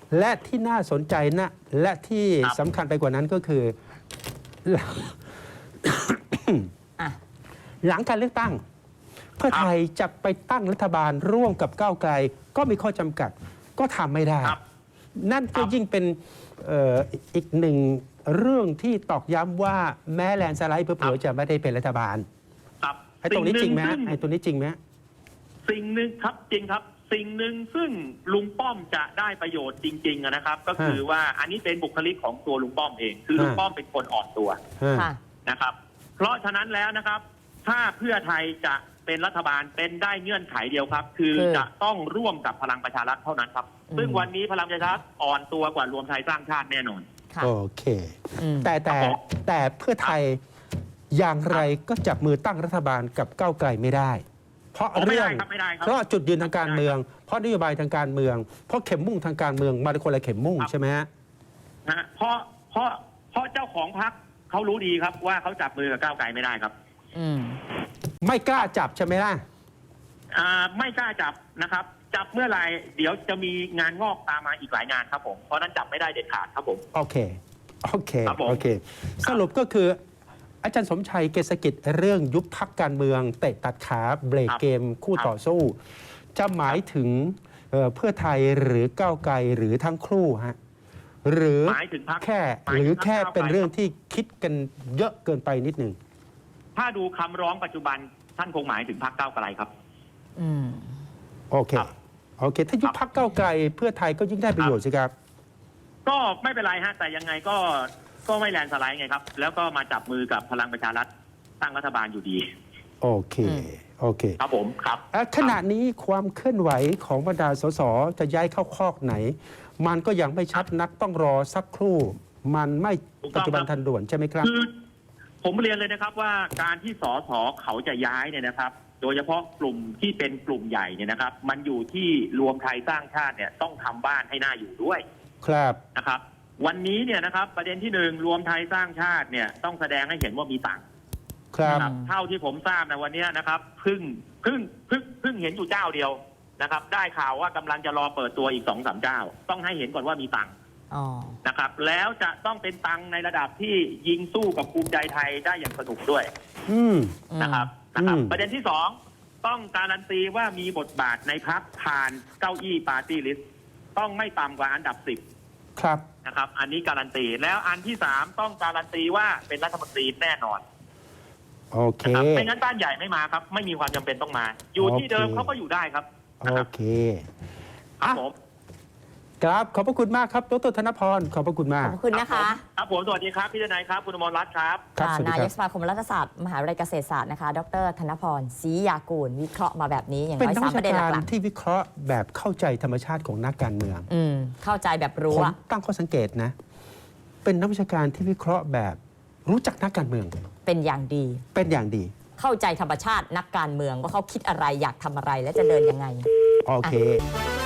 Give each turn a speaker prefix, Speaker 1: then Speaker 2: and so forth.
Speaker 1: และที่น่าสนใจนะและที่สำคัญไปกว่านั้นก็คือ หลังการเลือกตั้งเพื่อไทยจะไปตั้งรัฐบาลร่วมกับก้าวไกลก็มีข้อจำกัดก็ทำไม่ได้นั่นก็ยิ่งเป็นอีกหนึ่งเรื่องที่ตอกย้ำว่าแม้แลนด์สไลด์เผลอๆจะไม่ได้เป็นรัฐบาลไอ้ตรงนี้จริงไหมไอ้ตรงนี้จริงไหม
Speaker 2: สิ่งหนึ่งครับจริงครับสิ่งหนึ่งซึ่งลุงป้อมจะได้ประโยชน์จริงๆนะครับ ก็คือว่าอันนี้เป็นบุคลิกของตัวลุงป้อมเองคือลุงป้อมเป็นคนอ่อนตัวนะครับเพราะฉะนั้นแล้วนะครับถ้าเพื่อไทยจะเป็นรัฐบาลเป็นได้เงื่อนไขเดียวครับคือจะต้องร่วมกับพลังประชารัฐเท่านั้นครับซึ่งวันนี้พลังประชารัฐอ่อนตัวกว่ารวมไทยสร้างชาติแน่นอน
Speaker 1: โอเคแต่เพื่อไทยอย่างไรก็จับมือตั้งรัฐบาลกับก้าวไกลไม่ได้เพราะเรื่องเพราะจุดยืนทางการเมืองเพราะนโยบายทางการเมืองเพราะเข็มมุ่งทางการเมืองมาเป็นคนละเข็มมุ่งใช่ไหมฮะ
Speaker 2: เพราะเจ้าของพรรคเขารู้ดีครับว่าเขาจับมือกับก้าวไกลไม่ได้ครับ
Speaker 1: ไม่กล้าจับใช่ไหมล่ะ
Speaker 2: ไม่กล้าจับนะครับจับเมื่อไหร่เดี๋ยวจะมีงานงอกตามมาอีกหลายงานครับผมเพราะนั้นจับไม่ได้เด็ดขาดครับผม
Speaker 1: โอเคสรุปก็คืออาจารย์สมชัยเกษกิจเรื่องยุบพรรคการเมืองเตะตัดขาเบรกเกมคู่ต่อสู้จะหมายถึงเพื่อไทยหรือก้าวไกลหรือทั้งคู่ฮะหรือแค่เป็นเรื่องที่คิดกันเยอะเกินไปนิดหนึ่ง
Speaker 2: ถ้าดูคำร้องปัจจุบันท่านคงหมายถึงพรรคก้าวไกลครับ
Speaker 1: โอเคถ้ายุบพรรคก้าวไกลเพื่อไทยก็ยิ่งได้ประโยชน์สิครับ
Speaker 2: ก็ไม่เป็นไรฮะแต่ยังไงก็ไม่แลนด์สไลด์ไงครับแล้วก็มาจับมือกับพลังประชารัฐตั้งรัฐบาลอยู่ดี
Speaker 1: โอเค
Speaker 2: ครับผมครับ
Speaker 1: ขณะนี้ความเคลื่อนไหวของบรรดาสสจะย้ายเข้าคอกไหนมันก็ยังไม่ชัดนักต้องรอสักครู่มันไม่ปัจจุบันทันด่วนใช่ไหมครับ
Speaker 2: คือผมเรียนเลยนะครับว่าการที่สสเขาจะย้ายเนี่ยนะครับโดยเฉพาะกลุ่มที่เป็นกลุ่มใหญ่เนี่ยนะครับมันอยู่ที่รวมไทยสร้างชาติเนี่ยต้องทำบ้านให้น่าอยู่ด้วย
Speaker 1: ครับ
Speaker 2: นะครับวันนี้เนี่ยนะครับประเด็นที่หนึ่งรวมไทยสร้างชาติเนี่ยต้องแสดงให้เห็นว่ามีตังค์
Speaker 1: ครับ
Speaker 2: เท่าที่ผมทราบในวันนี้นะครับเพิ่งเห็นอยู่เจ้าเดียวนะครับได้ข่าวว่ากำลังจะรอเปิดตัวอีก 2-3 เจ้าต้องให้เห็นก่อนว่ามีตังค์นะครับแล้วจะต้องเป็นตังค์ในระดับที่ยิงสู้กับภูมิใจไทยได้อย่างสนุกด้วยนะครับประเด็นที่สองต้องการันตีว่ามีบทบาทในพรรคผ่านเก้าอี้ปาร์ตี้ลิสต์ต้องไม่ต่ำกว่าอันดับ 10
Speaker 1: ครับ
Speaker 2: นะครับอันนี้การันตีแล้วอันที่3ต้องการันตีว่าเป็นรัฐมนตรีแน่นอน
Speaker 1: โอเค
Speaker 2: ไม่งั้นบ้านใหญ่ไม่มาครับไม่มีความจำเป็นต้องมาอยู่ที่เดิมเขาก็อยู่ได้ครับ
Speaker 1: โอเค
Speaker 2: ครับผม
Speaker 1: ครับขอบพระคุณมากครับดร.ธนพรขอบพระคุณมาก
Speaker 3: ขอบคุณนะคะ
Speaker 2: ครับผมสวัสดีครับพี่ทนายครับคุณอมรรัตน์ครับ
Speaker 3: นายกสมาคมรัฐศาสตร์มหาวิทยาลัยเกษตรศาสตร์นะคะดร.ธนพรศรียากูลวิเคราะห์มาแบบนี้อย่างน้อย3ประเด็นหลัก
Speaker 1: ๆที่วิเคราะห์แบบเข้าใจธรรมชาติของนักการเมือง
Speaker 3: เข้าใจแบบรู้
Speaker 1: ผมตั้งข้อสังเกตนะเป็นนักวิชาการที่วิเคราะห์แบบรู้จักนักการเมือง
Speaker 3: เป็นอย่างดีเข้าใจธรรมชาตินักการเมืองว่าเขาคิดอะไรอยากทำอะไรและจะเดินยังไง
Speaker 1: โอเค